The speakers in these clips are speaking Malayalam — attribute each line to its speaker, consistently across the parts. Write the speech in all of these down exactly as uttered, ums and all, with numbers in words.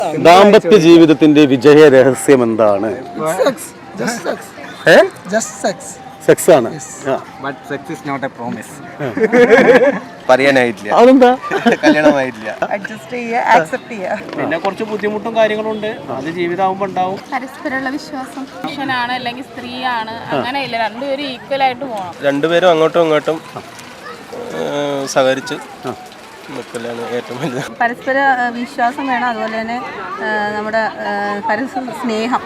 Speaker 1: ദാമ്പത്യ ജീവിതത്തിന്റെ വിജയ രഹസ്യം എന്താണ്? സെക്സ് ആണ്.
Speaker 2: പറയാനായിട്ടില്ല.
Speaker 1: അതെന്താ?
Speaker 2: കല്യാണമായിട്ടില്ല.
Speaker 3: അഡ്ജസ്റ്റ് ചെയ്യുക, ആക്സെപ്റ്റ് ചെയ്യുക.
Speaker 4: പിന്നെ കുറച്ച് ബുദ്ധിമുട്ടും കാര്യങ്ങളുണ്ട്, അത് ജീവിതമാകുമ്പോൾ ഉണ്ടാവും.
Speaker 5: പരസ്പരമുള്ള വിശ്വാസം. പുരുഷനാണ് അല്ലെങ്കിൽ സ്ത്രീയാണ് അങ്ങനെയില്ല, രണ്ടുപേരും ഈക്വൽ ആയിട്ട് പോകണം.
Speaker 2: രണ്ടുപേരും അങ്ങോട്ടും ഇങ്ങോട്ടും സഹകരിച്ച് നിൽക്കലാണ് ഏറ്റവും വലുത്.
Speaker 3: പരസ്പര വിശ്വാസം വേണം, അതുപോലെ തന്നെ നമ്മുടെ പരസ്പര സ്നേഹം.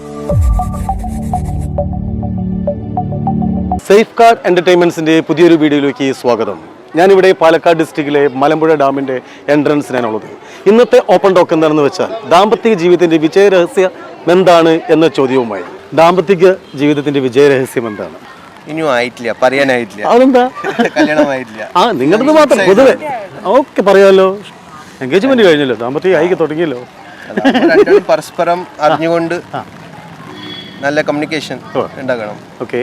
Speaker 1: സേഫ് ഗാർഡ് എന്റർടൈൻമെന്റ്സിന്റെ പുതിയൊരു വീഡിയോയിലേക്ക് സ്വാഗതം. ഞാനിവിടെ പാലക്കാട് ഡിസ്ട്രിക്റ്റിലെ മലമ്പുഴ ഡാമിന്റെ എൻട്രൻസിനാണുള്ളത്. ഇന്നത്തെ ഓപ്പൺ ടോക്ക് എന്താണെന്ന് വെച്ചാൽ ദാമ്പത്യ ജീവിതത്തിന്റെ വിജയ രഹസ്യം എന്താണ് എന്ന ചോദ്യവുമായി. ദാമ്പത്യ ജീവിതത്തിന്റെ വിജയ രഹസ്യം എന്താണ്?
Speaker 2: ഇനിയും ആയിട്ടില്ല, പറയാനായിട്ടില്ല.
Speaker 1: അതെന്താ?
Speaker 2: കല്യാണമായിട്ടില്ല.
Speaker 1: ആ നിങ്ങളുടെ മാത്രം പൊതുവെ ഓക്കെ പറയാമല്ലോ. എൻഗേജ്മെന്റ് കഴിഞ്ഞല്ലോ, ദാമ്പത്യ ആയിക്ക് തുടങ്ങിയല്ലോ.
Speaker 2: രണ്ടും പരസ്പരം അറിഞ്ഞുകൊണ്ട് നല്ല കമ്മ്യൂണിക്കേഷൻ ഉണ്ടാക്കണം.
Speaker 1: ഓക്കെ,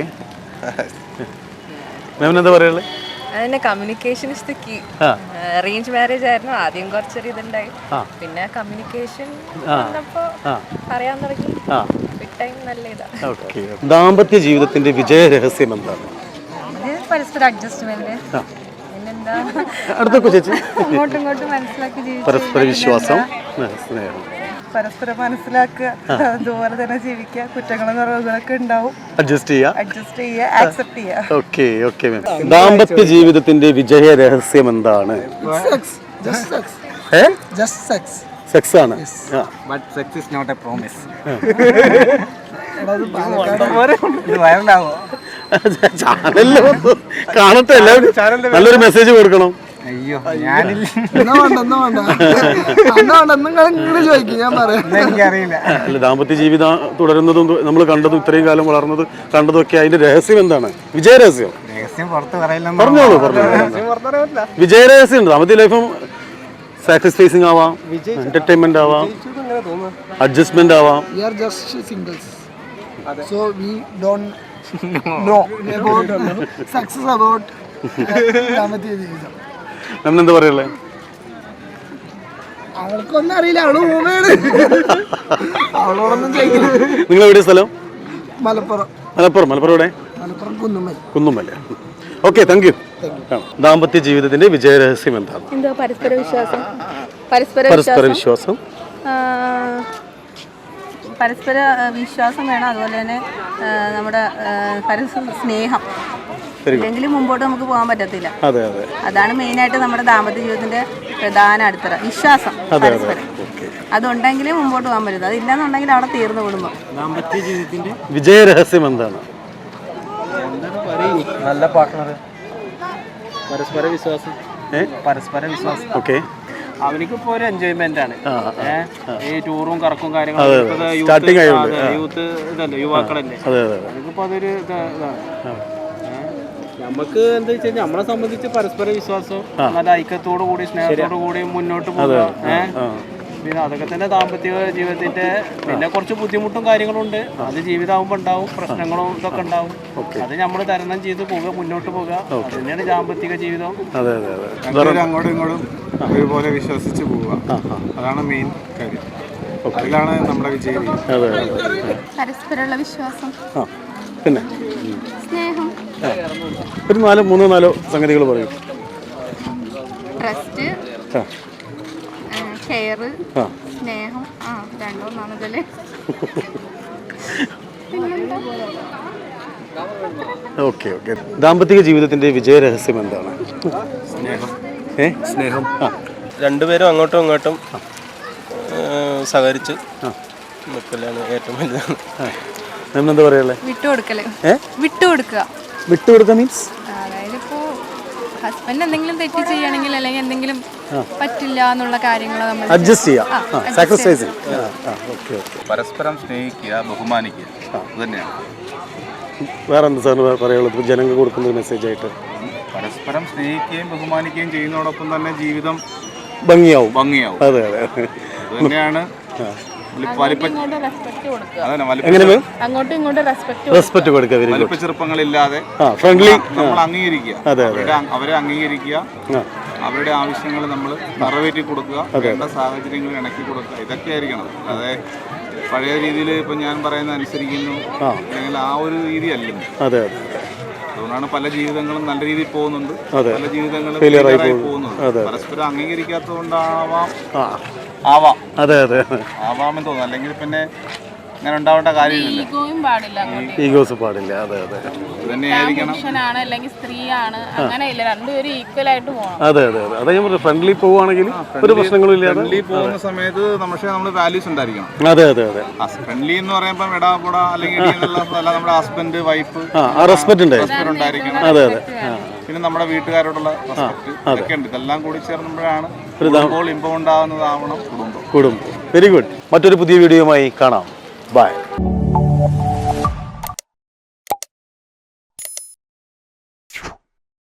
Speaker 1: എന്താ പറയുള്ളത്?
Speaker 6: അതന്നെ, communication is the key. Arrange marriage ആയിരുന്നു, ആദ്യം കുറച്ചൊരു ഇതുണ്ടായി, പിന്നെ കമ്മ്യൂണിക്കേഷൻ വന്നപ്പോ പറയാൻ തുടങ്ങി. നല്ല ഇതാ.
Speaker 1: ദാമ്പത്യ ജീവിതത്തിന്റെ വിജയ രഹസ്യം എന്താണ്?
Speaker 3: പരസ്പര അഡ്ജസ്റ്റ്മെന്റ്, പിന്നെന്താ
Speaker 1: അടുത്തൊക്കെ ചേച്ചി
Speaker 3: അങ്ങോട്ടും ഇങ്ങോട്ടും മനസ്സിലാക്കി ജീവിക്കുക,
Speaker 1: പരസ്പര വിശ്വാസം, സ്നേഹം,
Speaker 3: പരസ്പരം മനസ്സിലാക്കുക, അതുപോലെ തന്നെ ജീവിക്കുക. കുറ്റങ്ങളും കുറവുകളൊക്കെ ഉണ്ടാവും,
Speaker 1: അഡ്ജസ്റ്റ് ചെയ്യുക,
Speaker 3: അഡ്ജസ്റ്റ് ചെയ്യുക, ആക്സെപ്റ്റ് ചെയ്യുക.
Speaker 1: Okay okay ma'am. ദാമ്പത്യ ജീവിതത്തിന്റെ വിജയ രഹസ്യം എന്താണ്? സെക്സ് ആണ്.
Speaker 4: But sex is not a promise.
Speaker 1: ചാനലിൽ കാണട്ടെ, എല്ലാവരും നല്ലൊരു മെസ്സേജ് കൊടുക്കണം.
Speaker 4: അയ്യോ, ഞാനില്ല, എനിക്കറിയില്ല.
Speaker 1: അല്ല, ദാമ്പത്യ ജീവിതം തുടരുന്നതും നമ്മൾ കണ്ടതും ഇത്രയും കാലം വളർന്നത് കണ്ടതും ഒക്കെ അതിന്റെ രഹസ്യം എന്താണ്? വിജയ രഹസ്യം
Speaker 4: രഹസ്യം പുറത്ത് പറയില്ല.
Speaker 1: പറഞ്ഞോളൂ പറഞ്ഞോളൂ. വിജയ രഹസ്യം ഉണ്ട്. ദാമ്പത്യ ലൈഫും സാക്രിഫൈസിങ് ആവാം, എന്റർടൈൻമെന്റ് ആവാം, അഡ്ജസ്റ്റ്മെന്റ് ആവാം. എന്താ പറയല്ലേ?
Speaker 3: അവൾക്കൊന്നും അറിയില്ല, അവള് അവളോടൊന്നും
Speaker 1: നിങ്ങൾ എവിടെ സ്ഥലം?
Speaker 3: മലപ്പുറം.
Speaker 1: മലപ്പുറം മലപ്പുറം എവിടെ?
Speaker 3: Malappuram Kunnummal.
Speaker 1: Kunnummal. Okay, thank you. ദാമ്പത്യ ജീവിതത്തിന്റെ വിജയ രഹസ്യം എന്താണ്?
Speaker 5: എന്തോ പരസ്പര വിശ്വാസം. പരസ്പര
Speaker 1: പരസ്പര വിശ്വാസം
Speaker 3: പരസ്പര വിശ്വാസം വേണം, അതുപോലെ തന്നെ നമ്മുടെ പരസ്പര സ്നേഹം. ഇല്ലെങ്കിൽ മുമ്പോട്ട് നമുക്ക് പോകാൻ പറ്റത്തില്ല.
Speaker 1: അതെ അതെ,
Speaker 3: അതാണ് മെയിനായിട്ട് നമ്മുടെ ദാമ്പത്യ ജീവിതത്തിന്റെ പ്രധാന അടിത്തറ, വിശ്വാസം. പരസ്പരം അതുണ്ടെങ്കിലേ മുമ്പോട്ട് പോകാൻ പറ്റും. അതില്ലെന്നുണ്ടെങ്കിൽ അവിടെ തീർന്നു കുടുംബം.
Speaker 4: ദാമ്പത്യ ജീവിതത്തിന്റെ
Speaker 1: വിജയ രഹസ്യം എന്താണ്?
Speaker 4: നല്ല പാർട്ട്ണർ, പരസ്പര വിശ്വാസം. പരസ്പര വിശ്വാസം.
Speaker 1: ഓക്കെ,
Speaker 4: അവനിക്കിപ്പോ ഒരു എൻജോയ്മെന്റ് ആണ് ഈ ടൂറും കറക്കും കാര്യങ്ങളും. യൂത്ത് ഇതല്ലേ, യുവാക്കളല്ലേ, എനിക്കിപ്പോ അതൊരു ഇതാണ്. നമുക്ക് എന്താ വെച്ച് കഴിഞ്ഞാൽ നമ്മളെ സംബന്ധിച്ച് പരസ്പര വിശ്വാസം, നല്ല ഐക്യത്തോടു കൂടി സ്നേഹത്തോടു കൂടി മുന്നോട്ട് പോകുക. ഏഹ് പിന്നെ അതൊക്കെ തന്നെ ദാമ്പത്യ ജീവിതത്തിന്റെ. പിന്നെ കുറച്ച് ബുദ്ധിമുട്ടും കാര്യങ്ങളുണ്ട്, അത് ജീവിതമാകുമ്പോൾ ഉണ്ടാവും, പ്രശ്നങ്ങളും ഇതൊക്കെ ഉണ്ടാവും. അത് നമ്മൾ തരണം ചെയ്ത് പോവുക, മുന്നോട്ട് പോവുക. അത് തന്നെയാണ് ദാമ്പത്യ ജീവിതം.
Speaker 7: അങ്ങോട്ടും ഇങ്ങോട്ടും ഒരുപോലെ വിശ്വസിച്ച് പോവുക, അതാണ് മെയിൻ കാര്യം. അതിലാണ് നമ്മുടെ വിജയം.
Speaker 5: പരസ്പരമുള്ള വിശ്വാസം,
Speaker 1: പിന്നെ
Speaker 5: സ്നേഹം,
Speaker 1: ഒരു നാലോ മൂന്നോ നാലോ സംഗതികൾ പറയും.
Speaker 5: ട്രസ്റ്റ്, കെയർ, സ്നേഹം. ആ രണ്ടോ നാണതല്ലേ.
Speaker 1: Okay okay. ദാമ്പത്യ ജീവിതത്തിന്റെ വിജയ രഹസ്യം എന്താണ്?
Speaker 2: സ്നേഹം.
Speaker 1: ഏ
Speaker 2: സ്നേഹം. രണ്ടുപേരും അങ്ങോട്ടും ഇങ്ങോട്ടും സഹകരിച്ച് നിൽക്കലാണ് ഏറ്റവും വലുതാണ്.
Speaker 1: എന്താ പറയല്ലേ?
Speaker 5: വിട്ടുകൊടുക്കല്. വിട്ടുകൊടുക്കുക.
Speaker 1: വിട്ടുകൊടുക്കുക മീൻസ്
Speaker 5: അതായത് ഇപ്പോ ഹസ്ബൻഡ് എന്തെങ്കിലും തെറ്റ് ചെയ്യണമെങ്കിൽ അല്ലെങ്കിൽ എന്തെങ്കിലും പറ്റില്ല എന്നുള്ള കാര്യങ്ങൾ നമ്മൾ
Speaker 1: അഡ്ജസ്റ്റ് ചെയ്യാം, സാക്രിഫൈസ്.
Speaker 7: പരസ്പരം സ്നേഹിക്കുക, ബഹുമാനിക്കുക, അത് തന്നെയാണ്.
Speaker 1: വേറെ എന്താ സാറിന് പറയാനുള്ളത് ജനങ്ങൾക്ക് കൊടുക്കുന്ന ഒരു മെസ്സേജ് ആയിട്ട്?
Speaker 7: പരസ്പരം സ്നേഹിക്കുകയും ബഹുമാനിക്കുകയും ചെയ്യുന്നതോടൊപ്പം തന്നെ ജീവിതം
Speaker 1: ഭംഗിയാവും.
Speaker 7: ഭംഗിയാവും.
Speaker 1: അതെ അതെ,
Speaker 7: അത് തന്നെയാണ്.
Speaker 1: റെസ്പെക്ട് കൊടുക്കുക,
Speaker 7: വലിപ്പ ചെറുപ്പങ്ങളില്ലാതെ
Speaker 1: ഫ്രണ്ട്ലി
Speaker 7: നമ്മൾ അംഗീകരിക്കുക, അവരെ അംഗീകരിക്കുക, അവരുടെ ആവശ്യങ്ങൾ നമ്മൾ നിറവേറ്റി കൊടുക്കുക, വേണ്ട സാഹചര്യങ്ങൾ ഇണക്കി കൊടുക്കുക, ഇതൊക്കെ ആയിരിക്കണം. അതായത് പഴയ രീതിയിൽ ഇപ്പം ഞാൻ പറയുന്ന അനുസരിക്കുന്നു അല്ലെങ്കിൽ ആ ഒരു രീതി അല്ലെന്ന്.
Speaker 1: അതെ അതെ
Speaker 7: അതുകൊണ്ടാണ് പല ജീവിതങ്ങളും നല്ല രീതിയിൽ പോകുന്നുണ്ട്, പല ജീവിതങ്ങളും
Speaker 1: Failure ആയി
Speaker 7: failure ആയി
Speaker 1: പോകുന്നു.
Speaker 7: പോകുന്നുണ്ട്. പരസ്പരം അംഗീകരിക്കാത്തത് കൊണ്ടാവാം
Speaker 1: ആ
Speaker 7: ആവാം
Speaker 1: അതെ അതെ
Speaker 7: ആവാമെന്ന് തോന്നുന്നു. അല്ലെങ്കിൽ പിന്നെ അങ്ങനെ ഉണ്ടാവേണ്ട കാര്യമില്ല.
Speaker 8: ഈഗോയും പാടില്ല.
Speaker 1: ഈഗോസ് പാടില്ല. അതെ അതെ
Speaker 7: ഇത് തന്നെയായിരിക്കണം.
Speaker 8: പുരുഷനാണ് അല്ലെങ്കിൽ സ്ത്രീയാണ് അങ്ങനെയില്ല, രണ്ടുപേരും ഈക്വൽ ആയിട്ട് പോകണം.
Speaker 1: അതെ അതെ അതെ അതെ ഞാൻ പറഞ്ഞു ഫ്രണ്ട്ലി പോവുകയാണെങ്കിൽ ഒരു പ്രശ്നങ്ങളും ഇല്ലാതെ
Speaker 7: ഫ്രണ്ട്ലി പോകുന്ന സമയത്ത് പക്ഷേ നമ്മൾ വാല്യൂസ് ഉണ്ടായിരിക്കണം.
Speaker 1: അതെ അതെ അതെ
Speaker 7: ഫ്രണ്ട്ലി എന്ന് പറയുമ്പോൾ എടാ പൊട അല്ലെങ്കിൽ ഇടി എന്നുള്ള അല്ല, നമ്മുടെ ഹസ്ബൻഡ് വൈഫ്
Speaker 1: ആ റെസ്പെക്ട് ഉണ്ട്.
Speaker 7: ഉണ്ടായിരിക്കണം.
Speaker 1: അതെ അതെ
Speaker 7: പിന്നെ നമ്മുടെ വീട്ടുകാരോടുള്ള റെസ്പെക്ട് ഇതൊക്കെ ഉണ്ട്. ഇതെല്ലാം കൂടി ചേർന്നുമ്പോഴാണ് കുടുംബം ഇമ്പം ഉണ്ടാകുന്നതാവണം കുടുംബം.
Speaker 1: കുടുംബം. Very good. മറ്റൊരു പുതിയ വീഡിയോയുമായി കാണാം. ബൈ.